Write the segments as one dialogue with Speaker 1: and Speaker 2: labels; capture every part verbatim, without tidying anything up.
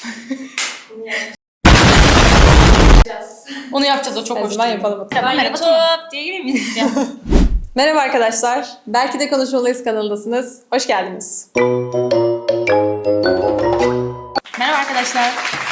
Speaker 1: Onu yapacağız, o çok hoş.
Speaker 2: Ben yapalım.
Speaker 1: Tamam, merhaba YouTube diye gireyim mi?
Speaker 2: Merhaba arkadaşlar. Belki de Konuşmalıyız kanalındasınız. Hoş geldiniz.
Speaker 1: Merhaba arkadaşlar.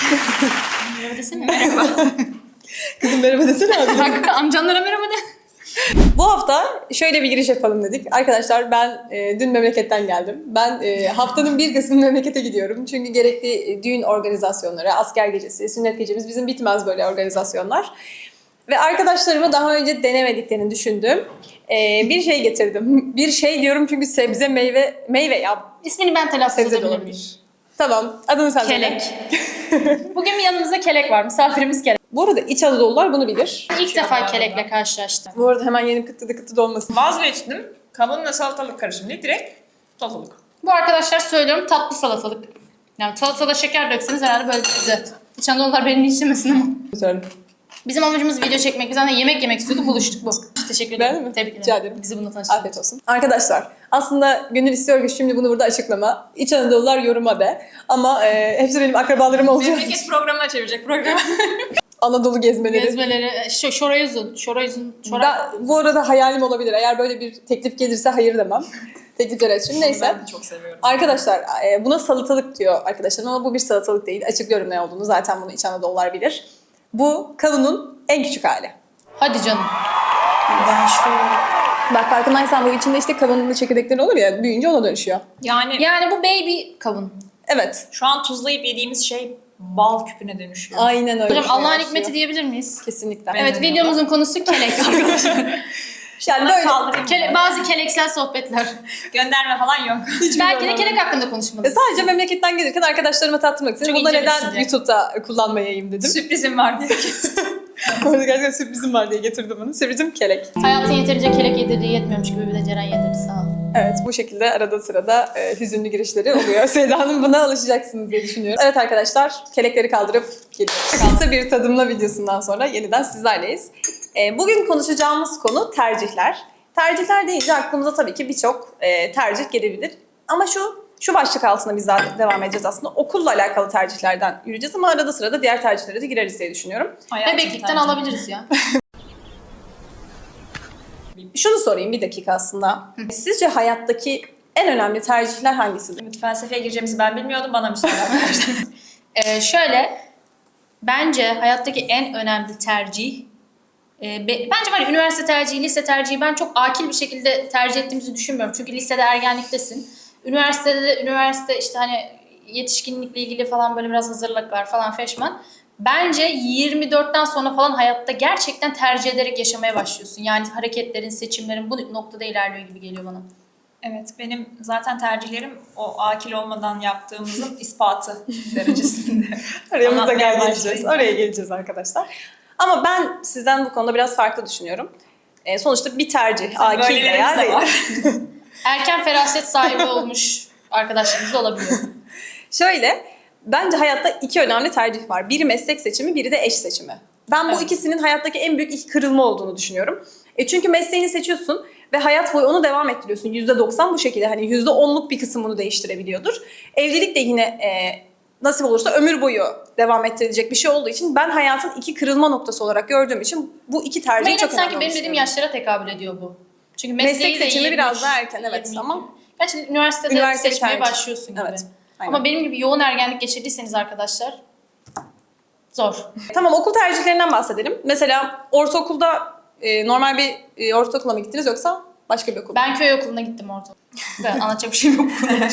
Speaker 1: Merhaba desene, merhaba.
Speaker 2: Kızım merhaba desene abi.
Speaker 1: Bak, amcanlara merhaba de.
Speaker 2: Bu hafta şöyle bir giriş yapalım dedik. Arkadaşlar ben e, dün memleketten geldim. Ben e, haftanın bir kısmı memlekete gidiyorum. Çünkü gerekli e, düğün organizasyonları, asker gecesi, sünnet gecemiz bizim bitmez böyle organizasyonlar. Ve arkadaşlarıma daha önce denemediklerini düşündüğüm e, bir şey getirdim. Bir şey diyorum çünkü sebze, meyve, meyve ya.
Speaker 1: İsmini ben telaffuz
Speaker 2: Sebze de
Speaker 1: edebilir miyim?
Speaker 2: olabilir. Tamam, adını sen söyle.
Speaker 1: Kelek. Bugün yanımızda kelek var, misafirimiz kelek.
Speaker 2: Bu arada İç Anadolular bunu bilir.
Speaker 1: İlk defa kelekle karşılaştım.
Speaker 2: Bu arada hemen yeni kıtı da kıtı dolmasın.
Speaker 3: Vazgeçtim. Kavunla salatalık karışımı değil, direkt salatalık.
Speaker 1: Bu arkadaşlar söylüyorum tatlı salatalık. Yani salatada şeker dökseniz herhalde böyle güzel. İç Anadolular beni içmesin ama.
Speaker 2: Söyle.
Speaker 1: Bizim amacımız video çekmek. Biz zaten yemek yemek istiyorduk, buluştuk bu. Teşekkür ederim.
Speaker 2: Beğendin mi?
Speaker 1: Tebrik ederim.
Speaker 2: Rica ederim.
Speaker 1: Bizi bununla tanıştırdın.
Speaker 2: Afiyet olsun. Arkadaşlar aslında gönül istiyor ki şimdi bunu burada açıklama. İç Anadolular yoruma de. Ama e, hepsi benim akrabalarım olacak.
Speaker 3: Memleket programına çevirecek program.
Speaker 2: Anadolu gezmeleri.
Speaker 1: Gezmeleri, şu şorayüzün, şorayüzün, şoray...
Speaker 2: Ben, bu arada hayalim olabilir. Eğer böyle bir teklif gelirse hayır demem. Teklifler için. Neyse.
Speaker 3: Ben çok seviyorum.
Speaker 2: Arkadaşlar e, buna salatalık diyor arkadaşlarım ama bu bir salatalık değil. Açıklıyorum ne olduğunu. Zaten bunu İç Anadolular bilir. Bu kavunun en küçük hali.
Speaker 1: Hadi canım. Ben şu...
Speaker 2: Bak farkındaysan bu içinde işte kavunun da çekirdekleri olur ya, büyüyünce ona dönüşüyor.
Speaker 3: Yani
Speaker 1: Yani bu baby kavun.
Speaker 2: Evet.
Speaker 3: şu an tuzlayıp yediğimiz şey bal küpüne dönüşüyor.
Speaker 2: Aynen öyle.
Speaker 1: Hocam Allah'ın
Speaker 2: Başlıyor.
Speaker 1: hikmeti diyebilir miyiz?
Speaker 2: Kesinlikle.
Speaker 1: Evet, videomuzun konusu kelek arkadaşlar.
Speaker 2: Yani böyle
Speaker 3: Kaldırayım
Speaker 1: Kele,
Speaker 3: mı?
Speaker 1: bazı keleksel sohbetler.
Speaker 3: Gönderme falan yok.
Speaker 1: Belki de kelek hakkında konuşmalıyız.
Speaker 2: E sadece memleketten gelirken arkadaşlarıma tattırmak istedim.
Speaker 1: Çok
Speaker 2: Bunu
Speaker 1: ince bir
Speaker 2: neden
Speaker 1: düşünce.
Speaker 2: YouTube'da kullanmayayım dedim.
Speaker 3: Sürprizim var diye.
Speaker 2: Bu arada gerçekten sürprizim var diye getirdim bunu. Sürprizim kelek.
Speaker 1: Hayatın yeterince kelek yedirdiği yetmiyormuş gibi bir de Ceren yedirdi, sağ ol.
Speaker 2: Evet, bu şekilde arada sırada e, hüzünlü girişleri oluyor. Seda'nın buna alışacaksınız diye düşünüyorum. Evet arkadaşlar, kelekleri kaldırıp geliyoruz. Kısa bir tadımla videosundan sonra yeniden sizlerleyiz. E, bugün konuşacağımız konu tercihler. Tercihler deyince aklımıza tabii ki birçok e, tercih gelebilir. Ama şu şu başlık altında biz daha devam edeceğiz aslında. Okulla alakalı tercihlerden yürüyeceğiz ama arada sırada diğer tercihlere de gireriz diye düşünüyorum.
Speaker 1: Bebeklikten alabiliriz ya.
Speaker 2: Şunu sorayım bir dakika aslında. Sizce hayattaki en önemli tercihler hangisidir?
Speaker 3: Felsefeye gireceğimizi ben bilmiyordum, bana müsaade.
Speaker 1: Ee, şöyle, bence hayattaki en önemli tercih, e, be, bence var ya, üniversite tercihi, lise tercihi ben çok akil bir şekilde tercih ettiğimizi düşünmüyorum. Çünkü lisede ergenliktesin. Üniversitede de, üniversite işte hani yetişkinlikle ilgili falan böyle biraz hazırlıklar falan feşman. Bence yirmi dörtten sonra falan hayatta gerçekten tercih ederek yaşamaya başlıyorsun. Yani hareketlerin, seçimlerin bu noktada ilerliyor gibi geliyor bana.
Speaker 3: Evet, benim zaten tercihlerim o akil olmadan yaptığımızın ispatı derecesinde.
Speaker 2: Oraya
Speaker 3: Anlatmaya
Speaker 2: mutlaka geleceğiz.
Speaker 3: başlayayım.
Speaker 2: Oraya geleceğiz arkadaşlar. Ama ben sizden bu konuda biraz farklı düşünüyorum. Ee, sonuçta bir tercih, akil
Speaker 3: böylelerimiz
Speaker 2: veya
Speaker 3: de
Speaker 2: değil.
Speaker 3: var.
Speaker 1: Erken feraset sahibi olmuş arkadaşlarımız da olabiliyor.
Speaker 2: Şöyle, bence hayatta iki önemli tercih var. Biri meslek seçimi, biri de eş seçimi. Ben bu
Speaker 3: Evet.
Speaker 2: ikisinin hayattaki en büyük iki kırılma olduğunu düşünüyorum. E çünkü mesleğini seçiyorsun ve hayat boyu onu devam ettiriyorsun. yüzde doksan bu şekilde. Hani yüzde onluk bir kısım bunu değiştirebiliyordur. Evlilik de yine e, nasip olursa ömür boyu devam ettirilecek bir şey olduğu için ben hayatın iki kırılma noktası olarak gördüğüm için bu iki tercihi
Speaker 1: Ama yine
Speaker 2: çok önemli
Speaker 1: sanki benim dediğim
Speaker 2: düşünüyorum.
Speaker 1: yaşlara tekabül ediyor bu. Çünkü mesleği
Speaker 2: Meslek
Speaker 1: de
Speaker 2: seçimi
Speaker 1: yirmi üç,
Speaker 2: biraz daha erken, evet,
Speaker 1: yirmi iki.
Speaker 2: ama-
Speaker 1: Gerçi üniversitede
Speaker 2: Üniversite
Speaker 1: seçmeye
Speaker 2: tercih.
Speaker 1: başlıyorsun gibi.
Speaker 2: Evet, aynen.
Speaker 1: Ama benim gibi yoğun ergenlik geçirdiyseniz arkadaşlar zor.
Speaker 2: Tamam, okul tercihlerinden bahsedelim. Mesela ortaokulda e, normal bir e, ortaokula mı gittiniz yoksa başka bir okul mu?
Speaker 1: Ben köy okuluna gittim orada. Ben anlatacak bir şeyim yok.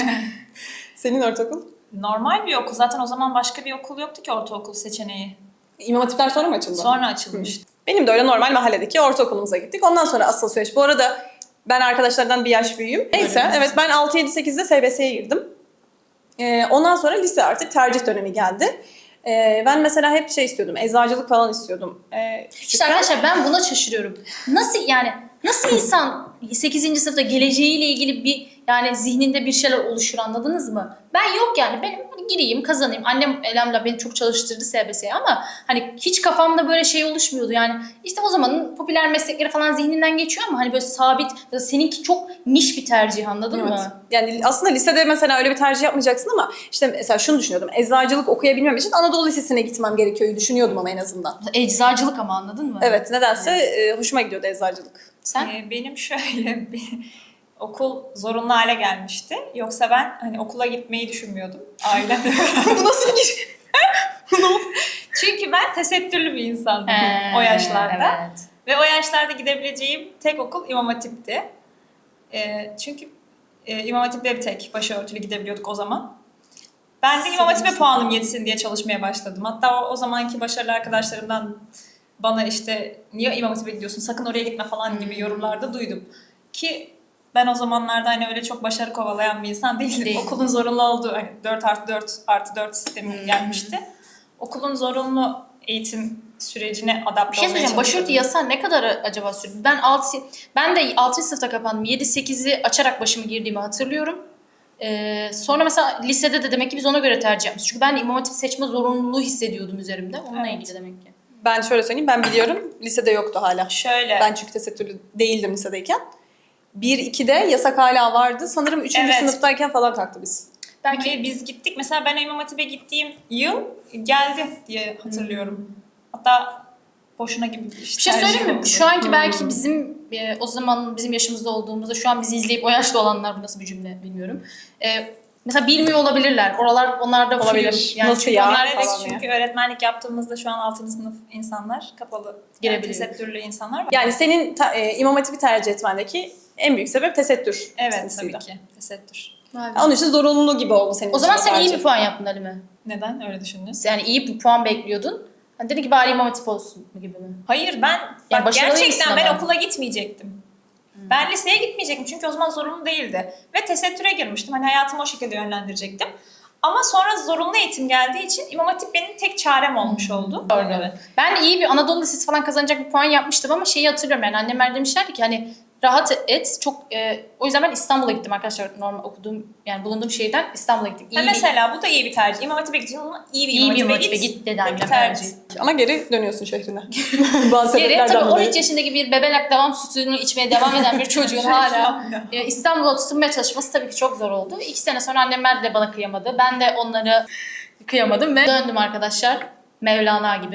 Speaker 2: Senin ortaokul?
Speaker 3: Normal bir okul. Zaten o zaman başka bir okul yoktu ki ortaokul seçeneği.
Speaker 2: İmam Hatipler sonra mı açıldı?
Speaker 3: Sonra açılmıştı.
Speaker 2: Benim de öyle normal mahalledeki ortaokulumuza gittik. Ondan sonra asıl süreç. Bu arada ben arkadaşlardan bir yaş büyüğüm. Neyse,
Speaker 3: Öyle mi?
Speaker 2: evet, ben altı yedi sekizde S B S'ye girdim. Ee, ondan sonra lise artık tercih dönemi geldi. Ee, ben mesela hep şey istiyordum, eczacılık falan istiyordum. Ee,
Speaker 1: İşte
Speaker 2: küçükken.
Speaker 1: arkadaşlar ben buna şaşırıyorum. Nasıl yani nasıl insan sekizinci sınıfta geleceğiyle ilgili bir Yani zihninde bir şeyler oluşur, anladınız mı? Ben yok yani, benim hani gireyim kazanayım. Annem elhamdülillah beni çok çalıştırdı S B S'ye ama hani hiç kafamda böyle şey oluşmuyordu. Yani işte o zamanın popüler meslekleri falan zihninden geçiyor ama hani böyle sabit, seninki çok niş bir tercih, anladın
Speaker 2: Evet.
Speaker 1: mı?
Speaker 2: Yani aslında lisede mesela öyle bir tercih yapmayacaksın ama işte mesela şunu düşünüyordum. Eczacılık okuyabilmem için Anadolu Lisesi'ne gitmem gerekiyor düşünüyordum ama en azından.
Speaker 1: Eczacılık ama, anladın mı?
Speaker 2: Evet, nedense e, hoşuma gidiyordu eczacılık.
Speaker 1: Sen?
Speaker 3: Ee, benim şöyle bir okul zorunlu hale gelmişti. Yoksa ben hani okula gitmeyi düşünmüyordum. Ailemle
Speaker 2: Bu nasıl bir
Speaker 3: Çünkü ben tesettürlü bir insandım
Speaker 1: Ee,
Speaker 3: o yaşlarda.
Speaker 1: Evet.
Speaker 3: Ve o yaşlarda gidebileceğim tek okul İmam Hatip'ti. Ee, çünkü e, İmam Hatip'le bir tek başörtülü gidebiliyorduk o zaman. Ben de İmam Hatip'e puanım yetsin diye çalışmaya başladım. Hatta o, o zamanki başarılı arkadaşlarımdan bana işte niye İmam Hatip'e gidiyorsun, sakın oraya gitme falan gibi yorumlarda duydum. Ki ben o zamanlarda hani öyle çok başarı kovalayan bir insan değildim.
Speaker 1: Değil.
Speaker 3: Okulun zorunlu olduğu, hani dört artı dört artı dört sistemi
Speaker 1: Hmm.
Speaker 3: gelmişti. Okulun zorunlu eğitim sürecine adapte
Speaker 1: Bir şey
Speaker 3: olmaya
Speaker 1: söyleyeceğim. Başörtü
Speaker 3: çalışıyordum.
Speaker 1: yasağı ne kadar acaba sürdü? Ben altı ben de altıncı sınıfta kapandım. yedi sekizi açarak başımı girdiğimi hatırlıyorum. Ee, sonra mesela lisede de demek ki biz ona göre tercih yapmışız. Çünkü ben de İmam Hatip seçme zorunluluğu hissediyordum üzerimde. Onunla
Speaker 3: Evet.
Speaker 1: ilgili demek ki.
Speaker 2: Ben şöyle söyleyeyim, ben biliyorum. Lisede yoktu hala.
Speaker 3: Şöyle.
Speaker 2: Ben çünkü tesettürlü değildim lisedeyken. bir ikide yasak hala vardı. Sanırım üçüncü
Speaker 3: Evet.
Speaker 2: sınıftayken falan kalktı biz.
Speaker 3: Belki
Speaker 1: Belki
Speaker 3: biz gittik. Mesela ben İmam Hatip'e gittiğim yıl geldi diye hatırlıyorum. Hatta boşuna gibi bir,
Speaker 1: bir şey söyleyeyim mi?
Speaker 3: oldu.
Speaker 1: Şu anki belki bizim e, o zaman bizim yaşımızda olduğumuzda, şu an bizi izleyip o yaşta olanlar, bu nasıl bir cümle bilmiyorum. E, mesela bilmiyor olabilirler. Oralar onlarda
Speaker 2: Olabilir.
Speaker 1: flu. Yani
Speaker 2: Nasıl
Speaker 1: çünkü
Speaker 2: ya?
Speaker 1: onlar
Speaker 3: Evet,
Speaker 2: falan
Speaker 3: çünkü öğretmenlik yaptığımızda şu an altıncı sınıf insanlar kapalı. Yani
Speaker 1: Girebiliyor.
Speaker 3: tesettürlü insanlar var.
Speaker 2: Yani senin ta- e, İmam Hatip'i tercih etmendeki en büyük sebep tesettür.
Speaker 3: Evet,
Speaker 2: meselesiydi.
Speaker 3: tabii ki. Tesettür.
Speaker 1: Vay be.
Speaker 2: Onun için zorunlu gibi oldu senin
Speaker 1: O zaman
Speaker 2: için
Speaker 1: sen iyi
Speaker 2: tercih.
Speaker 1: bir puan yaptın Halime.
Speaker 3: Neden öyle düşündünüz?
Speaker 1: Yani iyi bir puan bekliyordun. Hani dedi ki bari İmam Hatip olsun gibi mi?
Speaker 3: Hayır, ben
Speaker 1: Yani
Speaker 3: bak,
Speaker 1: başarılı
Speaker 3: gerçekten
Speaker 1: mısın
Speaker 3: ben
Speaker 1: ama?
Speaker 3: okula gitmeyecektim. Ben liseye gitmeyecektim çünkü o zaman zorunlu değildi. Ve tesettüre girmiştim. Hani hayatımı o şekilde yönlendirecektim. Ama sonra zorunlu eğitim geldiği için İmam Hatip benim tek çarem olmuş oldu.
Speaker 1: Doğru. Ben de iyi bir Anadolu Lisesi falan kazanacak bir puan yapmıştım ama şeyi hatırlıyorum, yani annemler demişlerdi ki hani rahat et. Çok e, o yüzden ben İstanbul'a gittim arkadaşlar. Normal okuduğum, yani bulunduğum şehirden İstanbul'a gittim. İyi
Speaker 3: Ha,
Speaker 1: bir,
Speaker 3: mesela bu da iyi bir tercih. İmam Hatip'e gideceğiz ama iyi bir
Speaker 1: iyi
Speaker 3: İmam
Speaker 1: bir
Speaker 3: Hatip'e
Speaker 1: motive
Speaker 3: git.
Speaker 1: git dedi
Speaker 3: Bir
Speaker 1: annem.
Speaker 3: tercih.
Speaker 2: Ama geri dönüyorsun şehrine. Bazı
Speaker 1: Geri
Speaker 2: sebeplerden
Speaker 1: tabii on
Speaker 2: dolayı.
Speaker 1: üç yaşındaki bir bebelak devam sütünü içmeye devam eden bir çocuğun hala e, İstanbul'a tutunmaya çalışması tabii ki çok zor oldu. İki sene sonra annemler de bana kıyamadı. Ben de onları kıyamadım ve döndüm arkadaşlar. Mevlana gibi.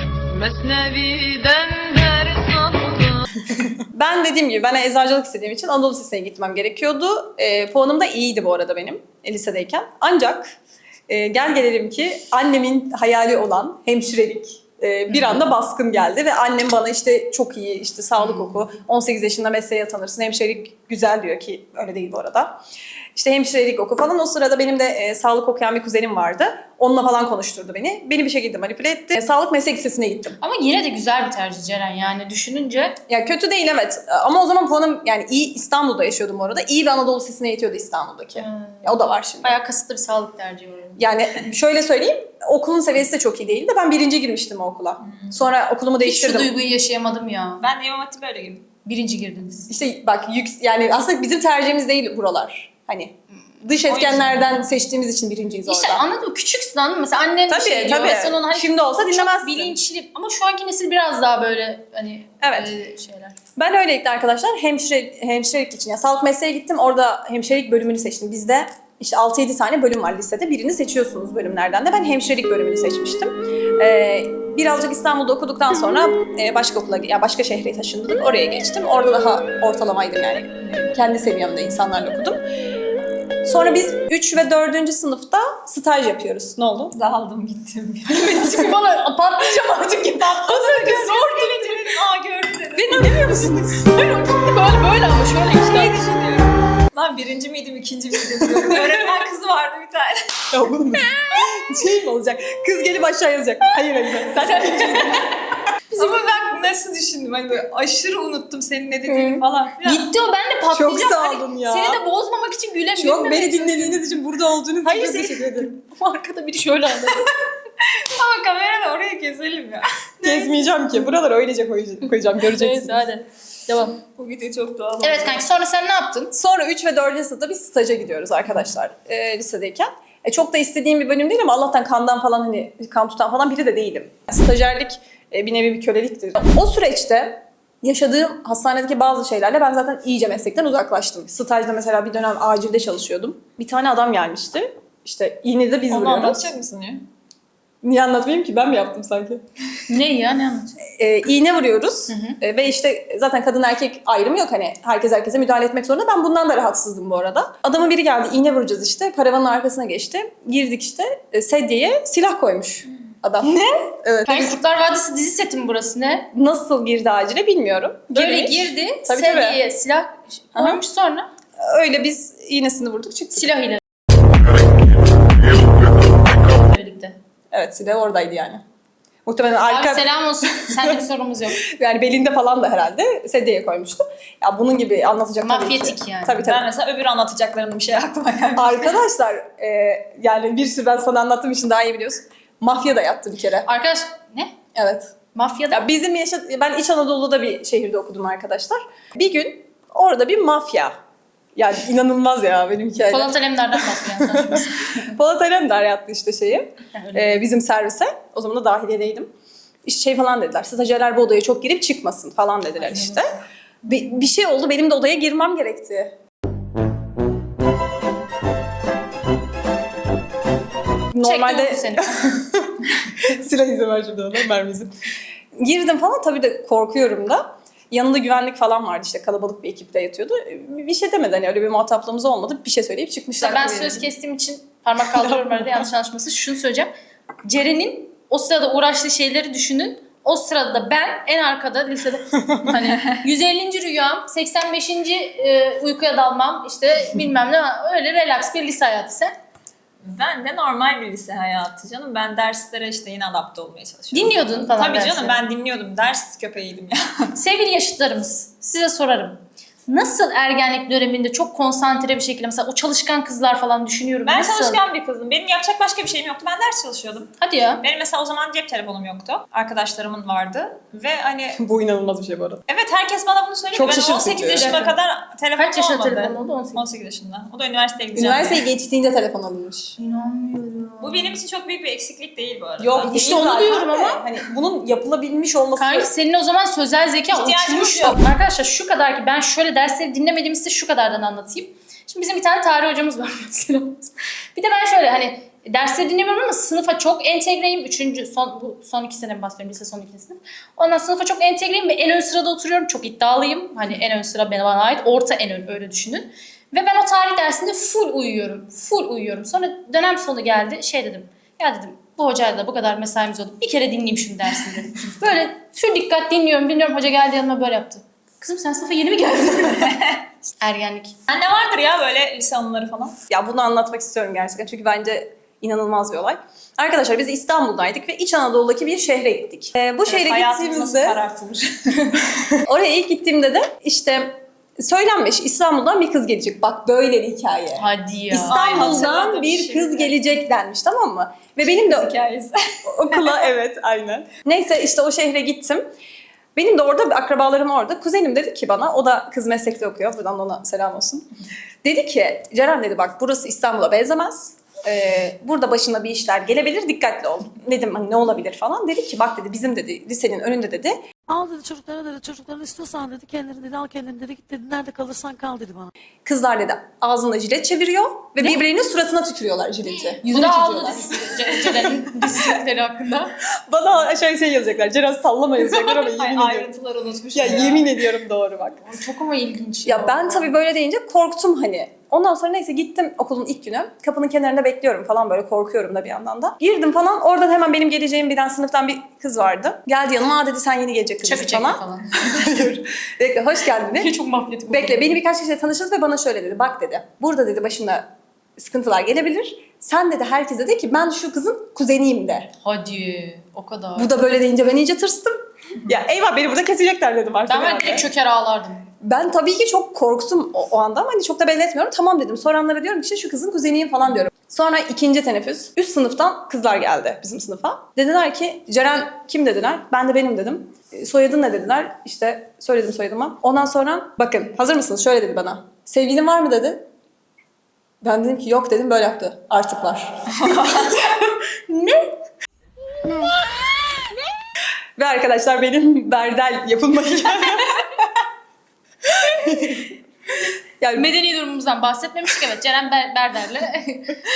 Speaker 4: Mesnevi'den ders aldım.
Speaker 2: Ben dediğim gibi ben eczacılık istediğim için Anadolu Lisesi'ne gitmem gerekiyordu. E, puanım da iyiydi bu arada benim e, lisedeyken. Ancak e, gel gelelim ki annemin hayali olan hemşirelik e, bir anda baskın geldi ve annem bana işte çok iyi işte sağlık oku, on sekiz yaşında mesleğe atanırsın, hemşirelik güzel diyor ki öyle değil bu arada. İşte hemşirelik oku falan. O sırada benim de e, sağlık okuyan bir kuzenim vardı. Onunla falan konuşturdu beni. Beni bir şekilde manipüle etti. E, sağlık meslek lisesine gittim.
Speaker 1: Ama yine de güzel bir tercih Ceren, yani düşününce.
Speaker 2: Ya kötü değil evet. Ama o zaman puanım yani iyi, İstanbul'da yaşıyordum orada. İyi bir Anadolu Lisesi'ne yetiyordu İstanbul'daki.
Speaker 1: Hmm.
Speaker 2: Ya o da var şimdi.
Speaker 1: Bayağı kasıtlı bir sağlık tercihi var.
Speaker 2: Yani şöyle söyleyeyim. Okulun seviyesi de çok iyi değildi. Ben birinci girmiştim o okula. Sonra okulumu
Speaker 1: Hiç şu
Speaker 2: değiştirdim.
Speaker 1: duyguyu yaşayamadım ya.
Speaker 3: Ben de İmam Hatip'e öyle girdim.
Speaker 1: Birinci girdiniz.
Speaker 2: İşte bak yük, yani aslında bizim tercihimiz değil buralar. Hani dış etkenlerden seçtiğimiz için birinciyiz orada.
Speaker 1: İşte anladın mı? Küçüksün, anladın mı? Mesela annen bir
Speaker 2: Tabii,
Speaker 1: şey diyor
Speaker 2: tabii.
Speaker 1: ve sen onu hani
Speaker 2: Şimdi olsa
Speaker 1: çok
Speaker 2: dinlemezsin.
Speaker 1: bilinçli. Ama şu anki nesil biraz daha böyle hani
Speaker 2: Evet.
Speaker 1: e, şeyler.
Speaker 2: Ben öylelikle arkadaşlar hemşire, hemşirelik için ya sağlık mesleğe gittim. Orada hemşirelik bölümünü seçtim. Bizde işte altı yedi tane bölüm var lisede. Birini seçiyorsunuz bölümlerden de. Ben hemşirelik bölümünü seçmiştim. Ee, birazcık İstanbul'da okuduktan sonra e, başka okula, ya başka şehre taşındık. Oraya geçtim. Orada daha ortalamaydım yani. Kendi seviyemde insanlarla okudum. Sonra biz üç ve dördüncü sınıfta staj yapıyoruz. Ne oldu?
Speaker 3: Dağıldım gittim.
Speaker 1: Şimdi bana patlayacağım artık ki patladı.
Speaker 3: Zor gelince dedim, aa gördü dedim.
Speaker 2: Beni dinlemiyor musunuz?
Speaker 1: Böyle böyle ama şöyle işte.
Speaker 3: düşünüyorum. Lan birinci miydim, ikinci miydim diyorum. Öğretmen kızı vardı bir tane.
Speaker 2: Ya oğlum şey mi olacak? Kız gelip aşağı yazacak. Hayır hayır. Sen
Speaker 3: Ama ben nasıl düşündüm? Hani böyle aşırı unuttum senin ne dediğini
Speaker 2: Hı.
Speaker 3: falan filan.
Speaker 1: Gitti o, ben de patlayacağım.
Speaker 2: Çok sağ
Speaker 1: Hani
Speaker 2: olun ya.
Speaker 1: Seni de bozmamak için güle
Speaker 2: Çok beni dinlediğiniz için, burada olduğunuz için
Speaker 1: Hayır,
Speaker 2: çok
Speaker 1: seni-
Speaker 2: teşekkür ederim.
Speaker 1: Arkada biri şöyle anladı.
Speaker 3: Ama kamerada oraya keselim ya.
Speaker 2: Gezmeyeceğim ki. Buraları öylece koyacağım, koyacağım göreceksiniz.
Speaker 1: Neyse hadi. Devam.
Speaker 3: Bu video çok doğal.
Speaker 1: Evet kanki, sonra sen ne yaptın?
Speaker 2: Sonra üç ve dördüncü sınıfta bir staja gidiyoruz arkadaşlar e, lisedeyken. E, çok da istediğim bir bölüm değil ama Allah'tan kandan falan hani kan tutan falan biri de değilim. Stajyerlik e, bir nevi bir köleliktir. O süreçte yaşadığım hastanedeki bazı şeylerle ben zaten iyice meslekten uzaklaştım. Stajda mesela bir dönem acilde çalışıyordum. Bir tane adam gelmişti. İşte iğnede biz
Speaker 3: Onu
Speaker 2: vuruyoruz.
Speaker 3: anlatacak mısın ya?
Speaker 2: Niye anlatmayayım ki? Ben mi yaptım sanki?
Speaker 1: Ne ya, ne anlatıyorsun?
Speaker 2: e, iğne vuruyoruz E, ve işte zaten kadın erkek ayrımı yok, hani herkes herkese müdahale etmek zorunda. Ben bundan da rahatsızdım bu arada. Adamın biri geldi, iğne vuracağız işte, paravanın arkasına geçti. Girdik işte, e, sedyeye silah koymuş adam. Ne? Evet.
Speaker 1: Kanki Kurtlar Vadisi dizi seti mi burası, ne?
Speaker 2: Nasıl girdi acile bilmiyorum.
Speaker 1: Böyle
Speaker 2: Girmiş.
Speaker 1: girdi,
Speaker 2: Tabii,
Speaker 1: sedyeye silah koymuş, sonra
Speaker 2: Öyle biz iğnesini vurduk çıktık.
Speaker 1: silahıyla. Birlikte.
Speaker 2: Evet, silah oradaydı yani. Muhtemelen
Speaker 1: Abi
Speaker 2: arka,
Speaker 1: selam olsun, sende bir sorumuz yok.
Speaker 2: yani belinde falan da herhalde sedyeye koymuştu. Ya bunun gibi anlatacak tabii ki.
Speaker 1: Mafyatik yani.
Speaker 2: Tabii tabii.
Speaker 3: Ben mesela öbür anlatacaklarının bir şey aklıma geldi.
Speaker 2: Arkadaşlar e, yani bir sürü ben sana anlattığım için daha iyi biliyorsun. Mafya da yattı bir kere.
Speaker 1: Arkadaş, ne?
Speaker 2: Evet.
Speaker 1: Mafyada
Speaker 2: Ya bizim yaşa ben İç Anadolu'da bir şehirde okudum arkadaşlar. Bir gün orada bir mafya. Yani inanılmaz ya benim hikayem.
Speaker 1: Polat Alemdar'dan bahsediyor saçması.
Speaker 2: Polat Alemdar yattı işte şeyi.
Speaker 1: Öyle.
Speaker 2: e, bizim servise. O zaman da dahiliyedeydim. İşte şey falan dediler. Stajyerler bu odaya çok girip çıkmasın falan dediler işte. Bir, bir şey oldu. Benim de odaya girmem gerekti. Normalde
Speaker 1: Çektim seni.
Speaker 2: silah izi var şimdi ona, mermisi. Girdim falan, tabii de korkuyorum da. Yanında güvenlik falan vardı, işte kalabalık bir ekipte yatıyordu. Bir şey demedi, hani öyle bir muhataplığımız olmadı. Bir şey söyleyip çıkmışlar.
Speaker 1: Ben söz kestiğim için parmak kaldırıyorum arada, yanlış anlaşması. Şunu söyleyeceğim. Ceren'in o sırada uğraştığı şeyleri düşünün. O sırada da ben en arkada lisede hani yüz ellinci rüyam, seksen beşinci e, uykuya dalmam, işte bilmem ne, öyle relax bir lise hayatı sen.
Speaker 3: Ben de normal bir lise hayatı canım. Ben derslere işte yine adapte olmaya çalışıyorum.
Speaker 1: Dinliyordun falan
Speaker 3: Tabii
Speaker 1: dersleri.
Speaker 3: canım, ben dinliyordum. Ders köpeğiydim ya.
Speaker 1: Sevgili yaşıtlarımız, size sorarım. Nasıl ergenlik döneminde çok konsantre bir şekilde, mesela o çalışkan kızlar falan düşünüyorum.
Speaker 3: Ben
Speaker 1: Nasıl?
Speaker 3: çalışkan bir kızdım. Benim yapacak başka bir şeyim yoktu. Ben ders çalışıyordum.
Speaker 1: Hadi ya.
Speaker 3: Benim mesela o zaman cep telefonum yoktu. Arkadaşlarımın vardı. Ve hani
Speaker 2: Bu inanılmaz bir şey bu arada.
Speaker 3: evet, herkes bana bunu söyledi.
Speaker 2: Çok
Speaker 3: Ben
Speaker 2: şaşırtıcı.
Speaker 3: on sekiz yaşıma
Speaker 1: Evet.
Speaker 3: kadar telefonum
Speaker 1: Kaç yaşında
Speaker 3: olmadı.
Speaker 1: telefon oldu? on sekiz.
Speaker 3: on sekiz yaşında. O da üniversiteye gideceğim.
Speaker 2: Üniversiteyi geçtiğinde telefon alınmış.
Speaker 1: İnanmıyorum.
Speaker 3: Bu benim için çok büyük bir eksiklik değil bu arada.
Speaker 2: Yok
Speaker 1: İşte
Speaker 2: işte
Speaker 1: onu
Speaker 2: onu
Speaker 1: diyorum
Speaker 2: diyorum
Speaker 1: ama.
Speaker 2: ama hani bunun yapılabilmiş olması.
Speaker 1: Kanki senin o zaman sözel zeka
Speaker 3: İhtiyacımız
Speaker 1: uçmuştu.
Speaker 3: yok.
Speaker 1: Arkadaşlar şu kadar ki ben şöyle dersleri dinlemediğimi size şu kadardan anlatayım. Şimdi bizim bir tane tarih hocamız var mesela. Bir de ben şöyle hani dersleri dinlemiyorum ama sınıfa çok entegreyim. Üçüncü, son, bu son iki sene bahsediyorum. Lise son iki sınıf. Ondan sınıfa çok entegreyim ve en ön sırada oturuyorum. Çok iddialıyım. Hani en ön sıra bana ait. Orta en ön, öyle düşünün. Ve ben o tarih dersinde full uyuyorum. Full uyuyorum. Sonra dönem sonu geldi. Şey dedim. Ya dedim, bu hocayla da bu kadar mesaimiz oldu. Bir kere dinleyeyim şunu dersini dedim. Böyle full dikkat dinliyorum. Dinliyorum. Hoca geldi yanıma böyle yaptı. Kızım sen sınıfa yeni mi geldin? Ergenlik.
Speaker 3: Sende vardır ya böyle lise anıları falan.
Speaker 2: Ya bunu anlatmak istiyorum gerçekten çünkü bence inanılmaz bir olay. Arkadaşlar biz İstanbul'daydık ve İç Anadolu'daki bir şehre gittik. Ee, bu şehre
Speaker 3: Evet, hayatımız nasıl
Speaker 2: gittiğimizde,
Speaker 3: karartılır.
Speaker 2: oraya ilk gittiğimde de işte söylenmiş İstanbul'dan bir kız gelecek. Bak böyle bir hikaye.
Speaker 1: Hadi ya.
Speaker 2: İstanbul'dan
Speaker 3: hatırladım
Speaker 2: bir
Speaker 3: şimdi.
Speaker 2: kız gelecek denmiş, tamam mı? Ve benim de
Speaker 3: Hikayesi.
Speaker 2: okula evet aynen. Neyse işte o şehre gittim. Benim de orada bir akrabalarım orada. Kuzenim dedi ki bana, o da kız meslekte okuyor. Buradan da ona selam olsun. Dedi ki Ceren dedi, bak burası İstanbul'a benzemez. Ee, burada başına bir işler gelebilir, dikkatli ol. Dedim hani ne olabilir falan. Dedi ki bak dedi, bizim dedi lisenin önünde dedi.
Speaker 5: Al dedi çocuklara dedi, çocuklarını istiyorsan dedi, kendini dedi, al kendini dedi, git dedi, nerede kalırsan kal dedi bana.
Speaker 2: Kızlar dedi ağzında jilet çeviriyor ve birbirinin suratına tükürüyorlar jileti.
Speaker 1: Yüzüne
Speaker 2: Bunu
Speaker 1: aldı
Speaker 2: çiziyorlar.
Speaker 1: dizisi. Ceren'in dizileri hakkında.
Speaker 2: Bana aşağıya şey yazacaklar. Ceren sallama yazacaklar ama yemin
Speaker 3: Ay,
Speaker 2: ediyorum.
Speaker 3: ayrıntıları unutmuşum
Speaker 2: Ya,
Speaker 3: ya.
Speaker 2: yemin ediyorum doğru bak.
Speaker 1: Çok ama ilginç.
Speaker 2: Ya ben tabii böyle deyince korktum hani. Ondan sonra neyse gittim okulun ilk günü. Kapının kenarında bekliyorum falan, böyle korkuyorum da bir yandan da. Girdim falan, oradan hemen benim geleceğim bilen sınıftan bir kız vardı. Geldi yanıma, aa dedi sen yeni gelecek kızsın
Speaker 1: Çakı çekti
Speaker 2: falan.
Speaker 1: falan.
Speaker 2: Hayır. Bekle, hoş geldin dedi.
Speaker 1: Çok mafyatik oldu.
Speaker 2: Bekle, beni birkaç kişiyle tanıştırdı ve bana şöyle dedi. Bak dedi, burada dedi başına sıkıntılar gelebilir. Sen dedi herkese de ki ben şu kızın kuzeniyim de.
Speaker 1: Hadi o kadar.
Speaker 2: Bu da böyle deyince ben iyice tırstım. Ya eyvah beni burada kesecekler dedim artık.
Speaker 1: Ben var
Speaker 2: herhalde.
Speaker 1: direkt çöker ağlardım.
Speaker 2: Ben tabii ki çok korktum o, o anda ama hani çok da belli etmiyorum. Tamam dedim. Soranlara diyorum ki işte şu kızın kuzeniyim falan diyorum. Sonra ikinci teneffüs. Üst sınıftan kızlar geldi bizim sınıfa. Dediler ki Ceren kim dediler. Ben de benim dedim. E, Soyadın ne dediler. İşte söyledim soyadımı. Ondan sonra bakın hazır mısınız? Şöyle dedi bana. Sevgilin var mı dedi. Ben dedim ki yok dedim, böyle yaptı. Artık var.
Speaker 1: Ne?
Speaker 2: Ve arkadaşlar benim berdel yapılma hikayem. Yani
Speaker 1: Medeni durumumuzdan bahsetmemiştik, evet. Ceren Ber- Berder'le.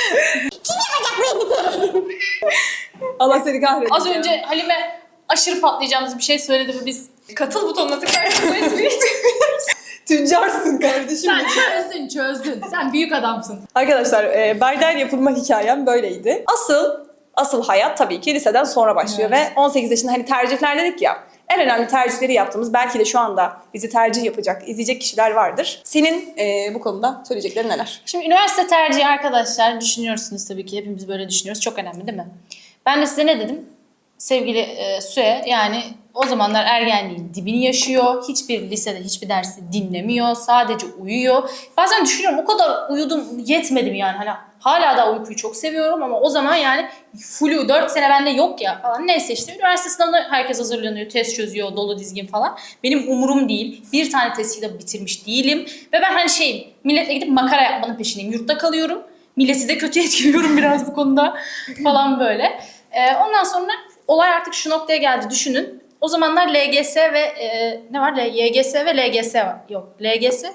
Speaker 2: Allah seni kahretsin.
Speaker 1: Az önce Halime aşırı patlayacağımız bir şey söyledi ve biz
Speaker 3: Katıl butonuna tıklarsanız bu espriyi
Speaker 2: Tüccarsın kardeşim.
Speaker 1: sen çözdün çözdün. Sen büyük adamsın.
Speaker 2: Arkadaşlar e, berdel yapılma hikayem böyleydi. Asıl asıl hayat tabii ki liseden sonra başlıyor ve on sekiz yaşında hani tercihler dedik ya. En önemli tercihleri yaptığımız, belki de şu anda bizi tercih yapacak, izleyecek kişiler vardır. Senin e, bu konuda söyleyeceklerin neler?
Speaker 1: Şimdi üniversite tercihi arkadaşlar düşünüyorsunuz tabii ki. Hepimiz böyle düşünüyoruz. Çok önemli değil mi? Ben de size ne dedim? Sevgili e, Süe, yani o zamanlar ergenliğin dibini yaşıyor. Hiçbir lisede hiçbir dersi dinlemiyor. Sadece uyuyor. Bazen düşünüyorum, o kadar uyudum yetmedi mi yani? Hani hala da uykuyu çok seviyorum ama o zaman yani flu dört sene bende yok ya falan. Neyse işte üniversite sınavına herkes hazırlanıyor. Test çözüyor, dolu dizgin falan. Benim umurum değil. Bir tane testi de bitirmiş değilim. Ve ben hani şeyim, milletle gidip makara yapmanın peşindeyim. Yurtta kalıyorum. Milleti de kötü etkiliyorum biraz bu konuda falan böyle. Ee, ondan sonra olay artık şu noktaya geldi, düşünün. O zamanlar L G S ve e, ne var? Y G S ve L G S var. Yok, L G S.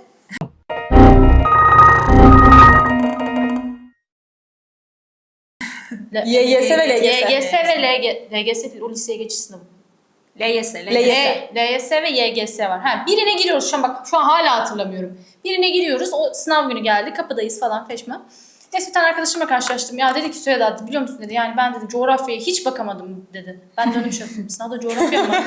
Speaker 2: Y G S ve L G S.
Speaker 1: Y G S ve L G S. L G S değil, o liseye geçiş sınavı.
Speaker 3: L Y S,
Speaker 2: L Y S.
Speaker 1: L Y S ve Y G S var. Ha, birine giriyoruz şu an, bak şu an hala hatırlamıyorum. Birine giriyoruz, o sınav günü geldi, kapıdayız falan feşme. Neyse bir tane arkadaşımla karşılaştım. Ya dedi ki Süheyda, biliyor musun dedi. Yani ben dedi coğrafyaya hiç bakamadım dedi. Ben dönüp şey yaptım. Sınavda coğrafya mı?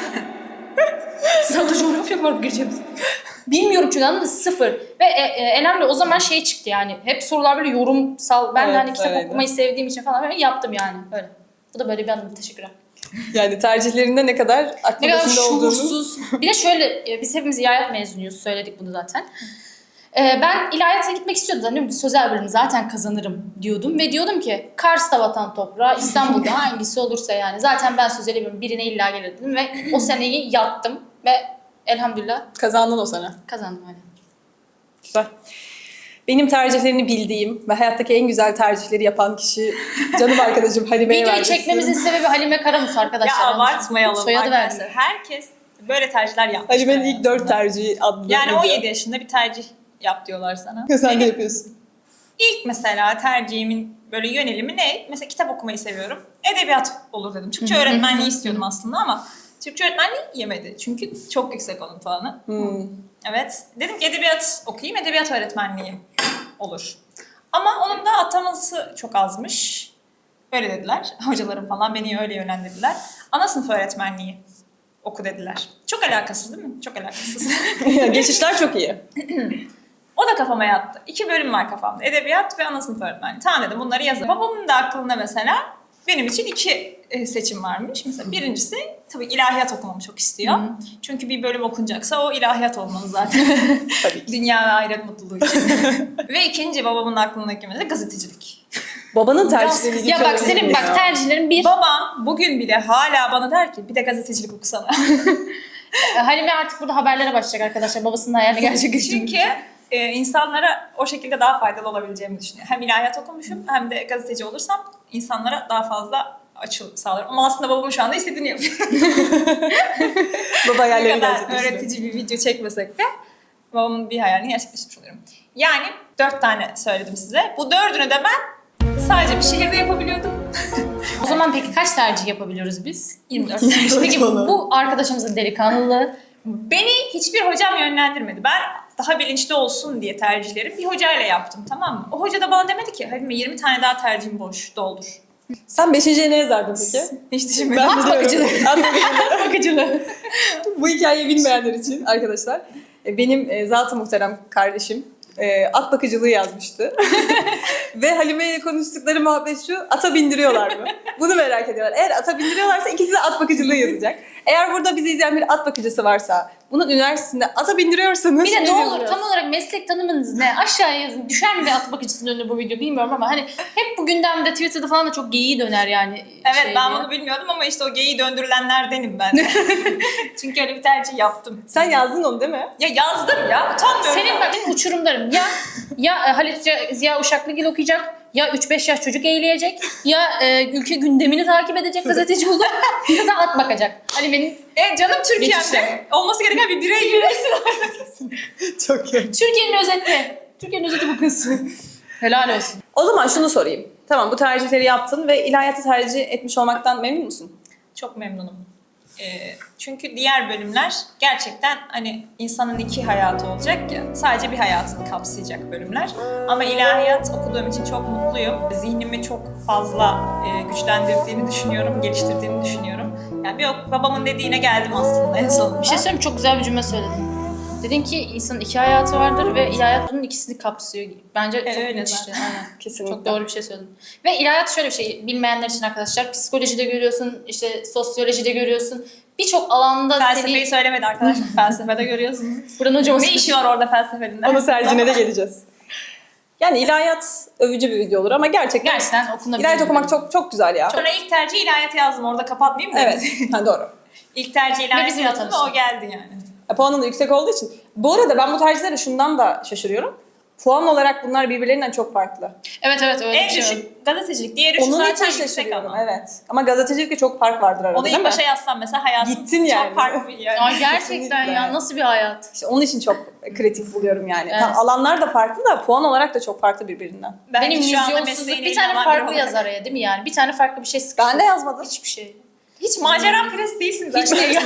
Speaker 1: Sınavda coğrafya var, gireceğim. Bilmiyorum çünkü, anladın mı? Sıfır. Ve e, e, önemli o zaman şey çıktı yani. Hep sorular böyle yorumsal. Ben de
Speaker 2: Evet,
Speaker 1: hani kitap
Speaker 2: öyleydi.
Speaker 1: okumayı sevdiğim için falan böyle yaptım yani. Öyle. Bu da böyle bir anım. Teşekkürler.
Speaker 2: Yani tercihlerinde ne kadar aklı
Speaker 1: Ne kadar
Speaker 2: başında olduğunu.
Speaker 1: şuursuz. Bir de şöyle, e, biz hepimiz ilahiyat mezunuyuz. Söyledik bunu zaten. Ee, ben ilahiyata gitmek istiyordum. Hani sözel bölümü zaten kazanırım diyordum. Ve diyordum ki Kars'ta vatan toprağı, İstanbul'da hangisi olursa yani. Zaten ben sözel bölümü birine illa gelirdim. Ve o seneyi yattım. Ve elhamdülillah
Speaker 2: Kazandın o sene.
Speaker 1: kazandım hala.
Speaker 2: Güzel. Benim tercihlerini bildiğim ve hayattaki en güzel tercihleri yapan kişi canım arkadaşım Halime'ye
Speaker 1: Videoyu
Speaker 2: vermek
Speaker 1: çekmemizin
Speaker 2: istiyorum.
Speaker 1: sebebi Halime Karamus arkadaşlar.
Speaker 3: Ya abartmayalım
Speaker 1: Soyadı
Speaker 3: arkadaşlar.
Speaker 1: verdim.
Speaker 3: Herkes böyle tercihler yapmış.
Speaker 2: Halime'nin ilk dört tercihi adlı
Speaker 3: Yani
Speaker 2: video.
Speaker 3: on yedi yaşında bir tercih yap diyorlar sana.
Speaker 2: Sen de
Speaker 3: Benim
Speaker 2: yapıyorsun.
Speaker 3: İlk mesela tercihimin böyle yönelimi ne? Mesela kitap okumayı seviyorum. Edebiyat olur dedim. Türkçe öğretmenliği istiyordum aslında ama Türkçe öğretmenliği yemedi. Çünkü çok yüksek onun puanı.
Speaker 2: Hmm.
Speaker 3: Evet. Dedim ki edebiyat okuyayım, edebiyat öğretmenliği olur. Ama onun da ataması çok azmış. Öyle dediler. Hocalarım falan beni öyle yönlendirdiler. Ana sınıf öğretmenliği oku dediler. Çok alakasız değil mi? Çok alakasız.
Speaker 2: Geçişler çok iyi.
Speaker 3: O da kafama yattı. İki bölüm var kafamda. Edebiyat ve ana sınıf öğretmenliği. Tamam dedim, bunları yazarım. Babamın da aklında mesela benim için iki e, seçim varmış. Mesela birincisi tabii ilahiyat okumamı çok istiyor. Çünkü bir bölüm okunacaksa o ilahiyat olmalı zaten.
Speaker 2: Tabii ki.
Speaker 3: Dünya ve ahiret mutluluğu için. Ve ikinci babamın aklındaki mesela gazetecilik.
Speaker 2: Babanın tercihleri
Speaker 1: Ya bak senin bak tercihlerin bir.
Speaker 3: Babam bugün bile hala bana der ki bir de gazetecilik okusana.
Speaker 1: Halime artık burada haberlere başlayacak arkadaşlar. Babasının hayalini gerçekleştirmek.
Speaker 3: Çünkü e, insanlara o şekilde daha faydalı olabileceğimi düşünüyorum. Hem ilahiyat okumuşum hem de gazeteci olursam insanlara daha fazla açıl sağlarım. Ama aslında babamın şu anda istediğini yapıyor.
Speaker 2: Baba
Speaker 3: Ne
Speaker 2: hayalleri
Speaker 3: kadar
Speaker 2: gerçekleştiriyor.
Speaker 3: öğretici bir video çekmesek de babamın bir hayalini gerçekleştirmiş oluyorum. Yani dört tane söyledim size. Bu dördünü de ben sadece bir şehirde yapabiliyordum.
Speaker 1: O zaman peki kaç tercih yapabiliyoruz biz?
Speaker 3: yirmi dört.
Speaker 1: Peki bu arkadaşımızın delikanlılığı.
Speaker 3: Beni hiçbir hocam yönlendirmedi. Ben daha bilinçli olsun diye tercihleri bir hocayla yaptım, tamam mı? O hoca da bana demedi ki Halime yirmi tane daha tercihim boş, doldur.
Speaker 2: Sen beşinciye ne yazardın peki?
Speaker 3: Hiç düşünmedim.
Speaker 2: Ben
Speaker 1: At
Speaker 2: biliyorum.
Speaker 1: bakıcılığı.
Speaker 2: At bakıcılığı.
Speaker 1: Bakıcılığı.
Speaker 2: Bu hikayeyi bilmeyenler için arkadaşlar, e, benim e, zat-ı muhterem kardeşim e, at bakıcılığı yazmıştı. Ve Halime ile konuştukları muhabbet şu, ata bindiriyorlar mı? Bunu merak ediyorlar. Eğer ata bindiriyorlarsa ikisi de at bakıcılığı yazacak. Eğer burada bizi izleyen bir at bakıcısı varsa, bunun üniversitesinde ata bindiriyorsanız...
Speaker 1: Bir de ne
Speaker 2: diyoruz.
Speaker 1: olur tam olarak meslek tanımınız ne? Aşağıya yazın. Düşer mi at bakıcısının önüne bu video bilmiyorum ama hani hep bu gündemde Twitter'da falan da çok geyiği döner yani.
Speaker 3: Evet
Speaker 1: şey
Speaker 3: ben
Speaker 1: diye.
Speaker 3: bunu bilmiyordum ama işte o geyiği döndürülenlerdenim ben. Çünkü öyle bir tercih yaptım.
Speaker 2: Sen yazdın onu değil mi?
Speaker 3: Ya yazdım ya utanmıyorum.
Speaker 1: Senin bak benim uçurumlarım ya ya e, Halit Ziya- Ziya Uşaklıgil okuyacak, ya üç beş yaş çocuk eğleyecek, ya e, ülke gündemini takip edecek gazeteci olup ya da at bakacak. Hani benim
Speaker 3: E canım Türkiye'de
Speaker 1: Geçişler.
Speaker 3: olması gereken bir birey gibi.
Speaker 2: Çok iyi.
Speaker 1: Türkiye'nin özeti. Türkiye'nin özeti bu kız. Helal olsun.
Speaker 2: O zaman şunu sorayım. Tamam bu tercihleri yaptın ve ilahiyatı tercih etmiş olmaktan memnun musun?
Speaker 3: Çok memnunum. Ee, çünkü diğer bölümler gerçekten hani insanın iki hayatı olacak ya, sadece bir hayatını kapsayacak bölümler. Ama ilahiyat okuduğum için çok mutluyum. Zihnimi çok fazla e, güçlendirdiğini düşünüyorum, geliştirdiğini düşünüyorum. Yani bir o- babamın dediğine geldim aslında en sonunda.
Speaker 1: Bir şey söyleyeyim mi? Çok güzel bir cümle söyledin. Dedin ki insanın iki hayatı vardır ve ilahiyat bunun ikisini kapsıyor. Bence çok
Speaker 3: öyle
Speaker 1: net
Speaker 3: zaten.
Speaker 1: işte. Aynen.
Speaker 2: Kesinlikle.
Speaker 1: Çok doğru bir şey söyledin. Ve ilahiyat şöyle bir şey, bilmeyenler için arkadaşlar, psikolojide görüyorsun, işte sosyolojide görüyorsun. Birçok alanda
Speaker 3: Felsefeyi
Speaker 1: seni...
Speaker 3: söylemedi arkadaşlar. Felsefede görüyorsunuz.
Speaker 1: Buranın hocam
Speaker 3: Ne işi var orada felsefenin?
Speaker 2: Onun tercihine de geleceğiz. Yani ilahiyat övücü bir video olur ama gerçekten,
Speaker 1: Gerçekten okunabilir.
Speaker 2: ilahiyat okumak çok çok güzel ya.
Speaker 3: Sonra ilk tercih ilahiyat yazdım. Orada kapatmayayım mı?
Speaker 2: Evet, ha, doğru.
Speaker 3: İlk tercih ilahiyat
Speaker 1: bizimle
Speaker 3: yazdım ve
Speaker 1: tanıştın.
Speaker 3: o geldi yani.
Speaker 2: E, puanın da yüksek olduğu için. Bu arada ben bu tercihlere şundan da şaşırıyorum. Puan olarak bunlar birbirlerinden çok farklı.
Speaker 1: Evet evet öyle
Speaker 3: En
Speaker 1: bir şey. var.
Speaker 3: düşük gazetecilik, diğeri şu
Speaker 2: Onun
Speaker 3: zaten
Speaker 2: için
Speaker 3: yüksek
Speaker 2: şaşırıyorum,
Speaker 3: ama.
Speaker 2: evet. Ama gazetecilikte çok fark vardır arada
Speaker 3: Onu
Speaker 2: değil
Speaker 3: ilk
Speaker 2: mi?
Speaker 3: başa yazsam mesela hayatım
Speaker 2: Gittin yani.
Speaker 3: çok farklı bir yer.
Speaker 1: Ay gerçekten
Speaker 2: Kesinlikle.
Speaker 1: ya nasıl bir hayat.
Speaker 2: İşte onun için çok kritik buluyorum yani.
Speaker 1: Evet.
Speaker 2: Tam alanlar da farklı da puan olarak da çok farklı birbirinden.
Speaker 3: Belki
Speaker 1: Benim
Speaker 3: şu anda
Speaker 1: vizyonsuzluk
Speaker 3: mesleğiyle
Speaker 1: bir tane
Speaker 3: ilgilenen
Speaker 1: farklı
Speaker 3: biri
Speaker 1: yaz
Speaker 3: olarak.
Speaker 1: araya değil mi yani? Bir tane farklı bir şey sıkıştı.
Speaker 2: Ben de yazmadım.
Speaker 1: Hiçbir şey.
Speaker 3: Hiç macera prens değilsin zaten.
Speaker 1: Hiç değil.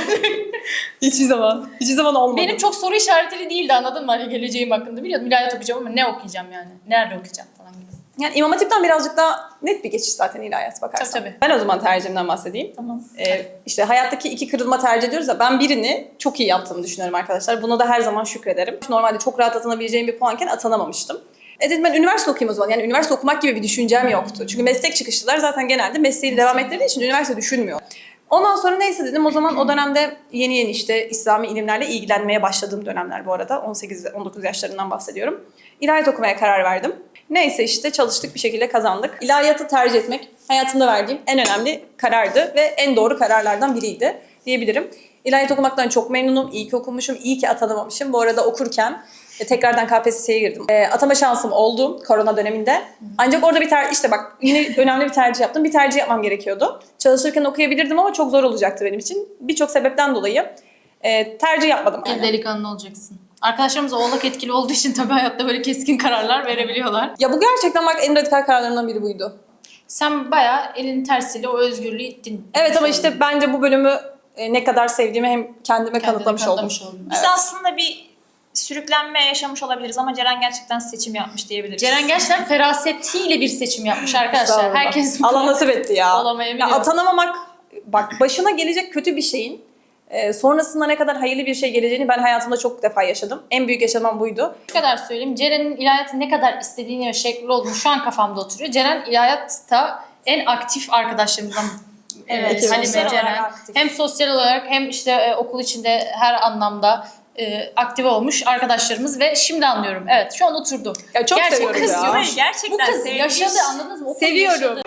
Speaker 2: Hiçbir zaman. Hiçbir zaman olmadı.
Speaker 1: Benim çok soru işaretli değildi anladın mı? Hani geleceğim hakkında biliyordum. İlahiyat okuyacağım ama ne okuyacağım yani? Nerede okuyacağım falan gibi.
Speaker 2: Yani İmam Hatip'ten birazcık daha net bir geçiş zaten ilahiyat bakarsan.
Speaker 1: Tabii, tabii.
Speaker 2: Ben o zaman tercihimden bahsedeyim.
Speaker 3: Tamam.
Speaker 2: Ee, işte hayattaki iki kırılma tercih ediyoruz ya, ben birini çok iyi yaptığımı düşünüyorum arkadaşlar. Buna da her zaman şükrederim. Normalde çok rahat atanabileceğim bir puanken atanamamıştım. E dedim ben üniversite okuyayım o zaman. Yani üniversite okumak gibi bir düşüncem yoktu. Çünkü meslek çıkışlılar zaten genelde mesleği devam ettirdiği için üniversite düşünmüyor. Ondan sonra neyse dedim o zaman o dönemde yeni yeni işte İslami ilimlerle ilgilenmeye başladığım dönemler bu arada. on sekiz on dokuz yaşlarından bahsediyorum. İlahiyat okumaya karar verdim. Neyse işte çalıştık bir şekilde kazandık. İlahiyatı tercih etmek hayatımda verdiğim en önemli karardı ve en doğru kararlardan biriydi diyebilirim. İlahiyat okumaktan çok memnunum. İyi ki okumuşum, iyi ki atanamamışım. Bu arada okurken e, tekrardan K P S S'ye girdim. E, atama şansım oldu korona döneminde. Ancak orada bir ter işte bak yine önemli bir tercih yaptım. Bir tercih yapmam gerekiyordu. Çalışırken okuyabilirdim ama çok zor olacaktı benim için. Birçok sebepten dolayı e, tercih yapmadım.
Speaker 1: Bir delikanlı olacaksın. Arkadaşlarımız oğlak etkili olduğu için tabii hayatta böyle keskin kararlar verebiliyorlar.
Speaker 2: Ya bu gerçekten bak en radikal kararlarımdan biri buydu.
Speaker 1: Sen bayağı elin tersiyle o özgürlüğü ittin.
Speaker 2: Evet ama işte bence bu bölümü e, ne kadar sevdiğimi hem kendime
Speaker 1: Kendini
Speaker 2: kanıtlamış,
Speaker 1: kanıtlamış
Speaker 2: oldum.
Speaker 1: oldun.
Speaker 3: Biz
Speaker 2: Evet.
Speaker 3: aslında bir sürüklenme yaşamış olabiliriz ama Ceren gerçekten seçim yapmış diyebiliriz.
Speaker 1: Ceren gerçekten ferasetiyle bir seçim yapmış arkadaşlar.
Speaker 2: Estağfurullah.
Speaker 1: Herkes
Speaker 2: Allah nasip etti ya.
Speaker 1: olamayabiliyor.
Speaker 2: Ya atanamamak, bak başına gelecek kötü bir şeyin e, sonrasında ne kadar hayırlı bir şey geleceğini ben hayatımda çok defa yaşadım. En büyük yaşamam buydu.
Speaker 1: Şu kadar söyleyeyim. Ceren'in ilahiyatı ne kadar istediğini ve şekli olduğunu şu an kafamda oturuyor. Ceren ilahiyatta en aktif arkadaşlarımızdan.
Speaker 3: Evet,
Speaker 1: e, Halime,
Speaker 3: sosyal olarak
Speaker 1: Ceren.
Speaker 3: aktif.
Speaker 1: Hem sosyal olarak hem işte e, okul içinde her anlamda e, aktive olmuş arkadaşlarımız ve şimdi anlıyorum. Evet şu an oturdu.
Speaker 2: Ya çok
Speaker 1: Gerçek
Speaker 2: seviyorum
Speaker 1: kız
Speaker 2: ya.
Speaker 1: yok.
Speaker 3: Hayır, gerçekten
Speaker 1: Bu kız
Speaker 3: sevmiş.
Speaker 1: yaşadı anladınız mı? O kız
Speaker 2: Seviyorum.
Speaker 1: yaşadı.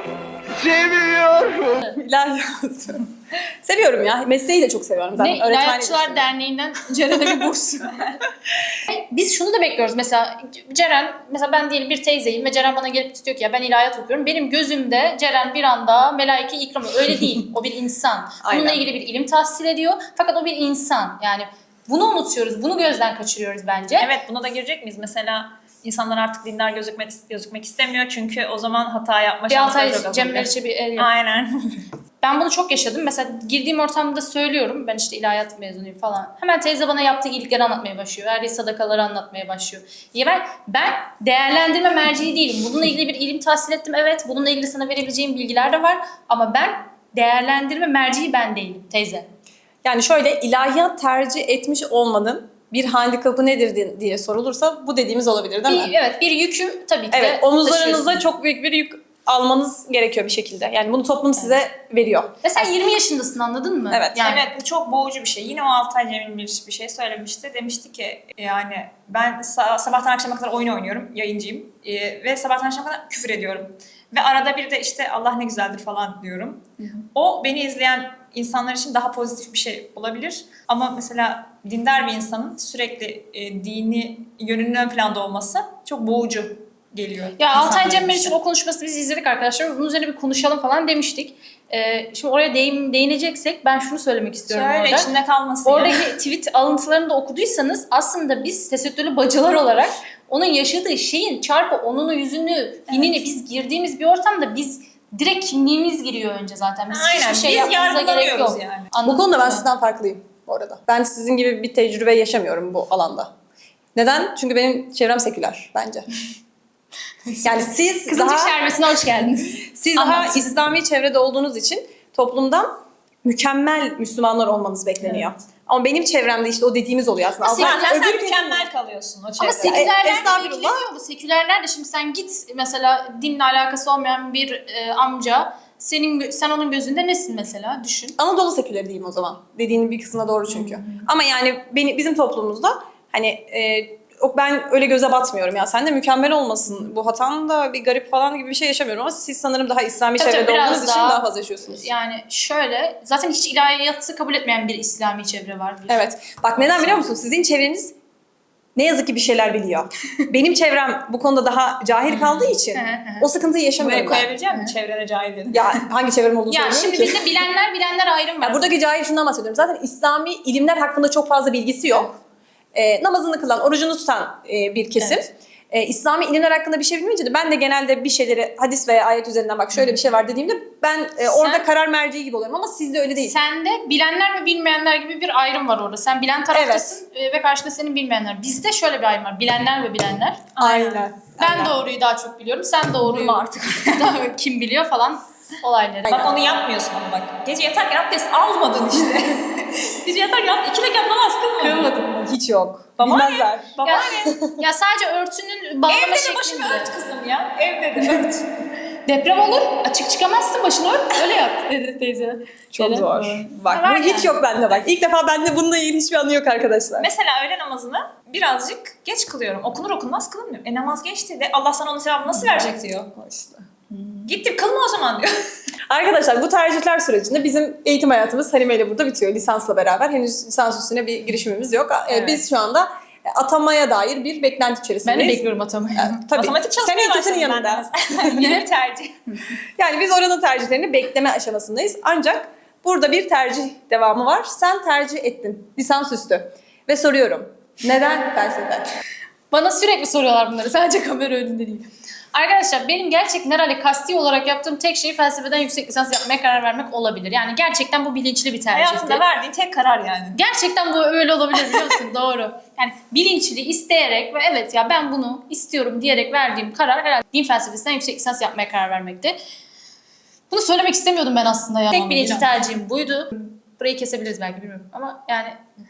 Speaker 2: İlahiyatı. Seviyorum ya. Mesleği de çok seviyorum zaten.
Speaker 1: Ne
Speaker 2: Öğretmenliği de
Speaker 1: İlahiyatçılar
Speaker 2: seviyorum.
Speaker 1: Derneği'nden Ceren'e bir burs. Biz şunu da bekliyoruz mesela Ceren, mesela ben diyelim bir teyzeyim ve Ceren bana gelip diyor ki ya ben ilahiyat okuyorum. Benim gözümde Ceren bir anda melaike ikramı. Öyle değil. O bir insan. Bununla
Speaker 2: Aynen.
Speaker 1: ilgili bir ilim tahsil ediyor. Fakat o bir insan. Yani bunu unutuyoruz. Bunu gözden kaçırıyoruz bence.
Speaker 3: Evet, buna da girecek miyiz? Mesela insanlar artık dindar gözükmek gözükmek istemiyor çünkü o zaman hata yapma
Speaker 1: Bir
Speaker 3: şansları
Speaker 1: Altay
Speaker 3: çok
Speaker 1: Cem
Speaker 3: azalıyor.
Speaker 1: Meriç'e bir el yap.
Speaker 3: Aynen.
Speaker 1: Ben bunu çok yaşadım. Mesela girdiğim ortamda söylüyorum. Ben işte ilahiyat mezunuyum falan. Hemen teyze bana yaptığı iyilikleri anlatmaya başlıyor. Verdiği sadakaları anlatmaya başlıyor. Ya ben, ben değerlendirme merceği değilim. Bununla ilgili bir ilim tahsil ettim. Evet. Bununla ilgili sana verebileceğim bilgiler de var. Ama ben değerlendirme merceği ben değilim teyze.
Speaker 2: Yani şöyle ilahiyat tercih etmiş olmanın bir handikapı nedir di- diye sorulursa bu dediğimiz olabilir değil mi?
Speaker 1: Bir, evet bir yükü tabii ki
Speaker 2: Evet,
Speaker 1: de
Speaker 2: omuzlarınızda
Speaker 1: taşıyorsun.
Speaker 2: çok büyük bir yük almanız gerekiyor bir şekilde. Yani bunu toplum size veriyor.
Speaker 1: Ve sen yirmi yaşındasın, anladın mı?
Speaker 2: Evet.
Speaker 1: Yani
Speaker 3: Evet, bu çok boğucu bir şey. Yine o Altay Cemil bir, bir şey söylemişti. Demişti ki yani ben sa- sabahtan akşama kadar oyun oynuyorum, yayıncıyım. Ee, ve sabahtan akşama kadar küfür ediyorum. Ve arada bir de işte Allah ne güzeldir falan diyorum. Hı hı. O beni izleyen insanlar için daha pozitif bir şey olabilir. Ama mesela dindar bir insanın sürekli e, dini yönünün ön planda olması çok boğucu geliyor.
Speaker 1: Ya Altay
Speaker 3: insanlar
Speaker 1: Cem
Speaker 3: için.
Speaker 1: Meriç'in o konuşmasını biz izledik arkadaşlar. Bunun üzerine bir konuşalım falan demiştik. Ee, şimdi oraya değin, değineceksek ben şunu söylemek istiyorum
Speaker 3: Söyle,
Speaker 1: orada.
Speaker 3: içinde kalmasın ya.
Speaker 1: Oradaki tweet alıntılarını da okuduysanız aslında biz tesettürlü bacılar olarak onun yaşadığı şeyin çarpı onunu, yüzünü, binini biz girdiğimiz bir ortamda biz direkt kimliğimiz giriyor önce zaten. Biz
Speaker 3: Aynen,
Speaker 1: hiçbir şey
Speaker 3: biz
Speaker 1: yapmamıza gerek yok.
Speaker 3: yargılamıyoruz yani.
Speaker 2: Bu
Speaker 1: Anladın
Speaker 2: konuda ben
Speaker 1: mı?
Speaker 2: sizden farklıyım bu arada. Ben sizin gibi bir tecrübe yaşamıyorum bu alanda. Neden? Çünkü benim çevrem seküler bence. Yani siz
Speaker 1: Kızılcık
Speaker 2: daha,
Speaker 1: Şerbeti'ne hoş geldiniz.
Speaker 2: siz daha
Speaker 1: Anlat.
Speaker 2: İslami çevrede olduğunuz için toplumdan mükemmel Müslümanlar olmanız bekleniyor. Ama benim çevremde işte o dediğimiz oluyor aslında.
Speaker 3: Zaten
Speaker 2: Allah-
Speaker 3: sen
Speaker 2: öbür
Speaker 3: mükemmel kalıyorsun o çevrede.
Speaker 1: Ama sekülerler de
Speaker 2: estağfurullah.
Speaker 1: bekleniyor bu. Sekülerler de şimdi sen git mesela dinle alakası olmayan bir e, amca senin gö- sen onun gözünde nesin mesela düşün.
Speaker 2: Anadolu seküleri diyeyim o zaman. Dediğinin bir kısmına doğru çünkü. Ama yani beni, bizim toplumumuzda hani e, o- ben öyle göze batmıyorum ya. Sen de mükemmel olmasın. Bu hatan da bir garip falan gibi bir şey yaşamıyorum ama siz sanırım daha İslami
Speaker 1: Tabii
Speaker 2: çevrede
Speaker 1: tabii, biraz
Speaker 2: olduğunuz için
Speaker 1: daha-
Speaker 2: daha fazla yaşıyorsunuz.
Speaker 1: Yani şöyle zaten hiç ilahiyatı kabul etmeyen bir İslami çevre var. biliyorsun.
Speaker 2: Evet. Bak neden biliyor musun? Sizin çevreniz ne yazık ki bir şeyler biliyor. Benim çevrem bu konuda daha cahil kaldığı için
Speaker 1: Hı hı.
Speaker 2: o sıkıntıyı
Speaker 3: Buraya
Speaker 2: yaşamıyorum ben.
Speaker 3: koyabilecek misin çevrene cahil dedin?
Speaker 2: Ya hangi çevrem olduğunu
Speaker 1: Ya
Speaker 2: söylemiyorum
Speaker 1: şimdi
Speaker 2: ki.
Speaker 1: bizde bilenler bilenler ayrım var.
Speaker 2: Ya buradaki cahil şundan bahsediyorum. Zaten İslami ilimler hakkında çok fazla bilgisi yok. Ee, namazını kılan, orucunu tutan e, bir kesim.
Speaker 1: Evet.
Speaker 2: Ee, İslami ilimler hakkında bir şey bilmeyince de ben de genelde bir şeyleri hadis veya ayet üzerinden bak şöyle bir şey var dediğimde ben e, orada
Speaker 1: Sen-
Speaker 2: karar merci gibi oluyorum ama sizde öyle değil.
Speaker 1: Sende bilenler ve bilmeyenler gibi bir ayrım var orada. Sen bilen taraftasın e, ve karşında senin bilmeyenler. Bizde şöyle bir ayrım var. Bilenler ve bilenler.
Speaker 2: Aynen.
Speaker 1: Ben
Speaker 2: Aynen.
Speaker 1: doğruyu daha çok biliyorum. Sen doğruyu artık daha kim biliyor falan olayları.
Speaker 3: Bak onu yapmıyorsun ama bak. Gece yatarken abdest almadın işte. Gece yatarken iki rekat namaz kılmadın.
Speaker 2: Hiç yok.
Speaker 3: Baba ne?
Speaker 2: Bilmezler.
Speaker 3: Baba
Speaker 1: Ya,
Speaker 3: ne?
Speaker 1: ya sadece örtünün bağlama
Speaker 3: Evde de
Speaker 1: şeklinde.
Speaker 3: başını ört kızım ya. Evde de ört.
Speaker 1: Deprem olur. Açık çıkamazsın, başını ört. Öyle yap dedi teyze.
Speaker 2: Çok
Speaker 1: Öyle.
Speaker 2: zor. Bak
Speaker 1: Var
Speaker 2: bu hiç
Speaker 1: yani.
Speaker 2: yok bende bak. İlk defa bende bununla ilgili hiçbir anı yok arkadaşlar.
Speaker 3: Mesela öğle namazını birazcık geç kılıyorum. Okunur okunmaz kılınmıyor. E namaz geçti de Allah sana onun sevabını nasıl verecek diyor.
Speaker 2: İşte.
Speaker 3: Gittim kılma o zaman diyor.
Speaker 2: Arkadaşlar bu tercihler sürecinde bizim eğitim hayatımız Halime ile burada bitiyor lisansla beraber. Henüz lisans üstüne bir girişimimiz yok. Ee,
Speaker 3: Evet.
Speaker 2: Biz şu anda atamaya dair bir beklenti
Speaker 1: Ben
Speaker 2: içerisindeyiz.
Speaker 1: de bekliyorum atamayı.
Speaker 2: Ee, Tabii.
Speaker 3: Matematik
Speaker 2: Sen
Speaker 3: çalışmaya
Speaker 2: eğitiminin
Speaker 3: başladım ben
Speaker 2: yanında.
Speaker 3: de. Yine bir tercih.
Speaker 2: Yani biz oranın tercihlerini bekleme aşamasındayız. Ancak burada bir tercih devamı var. Sen tercih ettin lisans üstü. Ve soruyorum. Neden felsefe?
Speaker 1: Bana sürekli soruyorlar bunları. Sadece kamera önünde değil. Arkadaşlar benim gerçekten herhalde kasti olarak yaptığım tek şey felsefeden yüksek lisans yapmaya karar vermek olabilir. Yani gerçekten bu bilinçli bir tercihti.
Speaker 3: Hayatında verdiğin tek karar yani.
Speaker 1: Gerçekten bu öyle olabilir biliyor musun? Doğru. Yani bilinçli, isteyerek ve evet ya ben bunu istiyorum diyerek verdiğim karar herhalde din felsefesinden yüksek lisans yapmaya karar vermekti. Bunu söylemek istemiyordum ben aslında ya. Tek bilinçli tercihim buydu. Burayı kesebiliriz belki bilmiyorum ama yani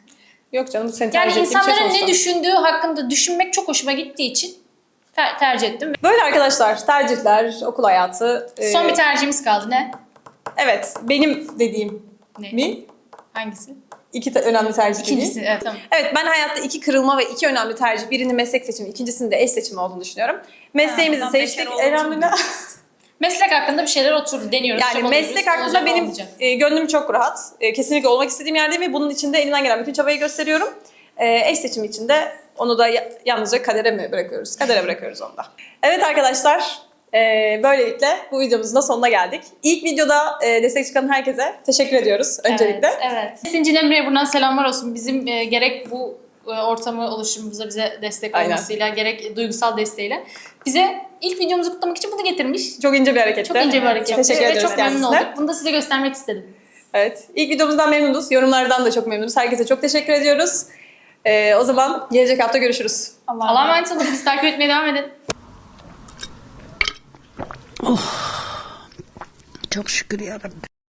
Speaker 2: Yok canım bu senin
Speaker 1: yani
Speaker 2: tercih ettiğin bir şey
Speaker 1: insanların
Speaker 2: sonuçta.
Speaker 1: ne düşündüğü hakkında düşünmek çok hoşuma gittiği için ter- tercih ettim.
Speaker 2: Böyle arkadaşlar tercihler, okul hayatı. e,
Speaker 1: Son bir tercihimiz kaldı. Ne?
Speaker 2: Evet benim dediğim
Speaker 1: Ne?
Speaker 2: mi?
Speaker 1: Hangisi?
Speaker 2: İki te- önemli tercih dediğim.
Speaker 1: İkincisi. Evet tamam.
Speaker 2: Evet ben hayatta iki kırılma ve iki önemli tercih. Birinin meslek seçimi, ikincisinin de eş seçimi olduğunu düşünüyorum. Mesleğimizi
Speaker 3: Ha, ben
Speaker 2: seçtik.
Speaker 3: bekar olduğum için
Speaker 2: Elhamdülillah.
Speaker 1: Meslek hakkında bir şeyler oturdu. Deniyoruz.
Speaker 2: Yani
Speaker 1: çabalıyoruz.
Speaker 2: meslek hakkında
Speaker 1: Olacak,
Speaker 2: benim
Speaker 1: olmayacak.
Speaker 2: e, gönlüm çok rahat. E, kesinlikle olmak istediğim yerdeyim ve bunun için de elimden gelen bütün çabayı gösteriyorum. E, eş seçimi için de onu da ya- yalnızca kadere mi bırakıyoruz? Kadere bırakıyoruz onu da. Evet arkadaşlar, e, böylelikle bu videomuzun da sonuna geldik. İlk videoda e, destek çıkan herkese teşekkür ediyoruz öncelikle.
Speaker 1: Evet, evet. Esinci Emre'ye buradan selamlar olsun. Bizim e, gerek bu e, ortamı oluşturmamıza bize destek
Speaker 2: Aynen.
Speaker 1: olmasıyla, gerek duygusal desteğiyle bize ilk videomuzu kutlamak için bunu getirmiş.
Speaker 2: Çok ince bir hareketti.
Speaker 1: Çok ince bir hareket.
Speaker 2: Teşekkür
Speaker 1: Ve
Speaker 2: ediyoruz
Speaker 1: çok memnun
Speaker 2: kendisine.
Speaker 1: olduk. Bunu da size göstermek istedim.
Speaker 2: Evet. İlk videomuzdan memnunuz. Yorumlardan da çok memnunuz. Herkese çok teşekkür ediyoruz. Ee, o zaman gelecek hafta görüşürüz.
Speaker 1: Allah'a emanet olun. Bizi takip etmeye devam edin.
Speaker 5: Çok şükür yarabbim.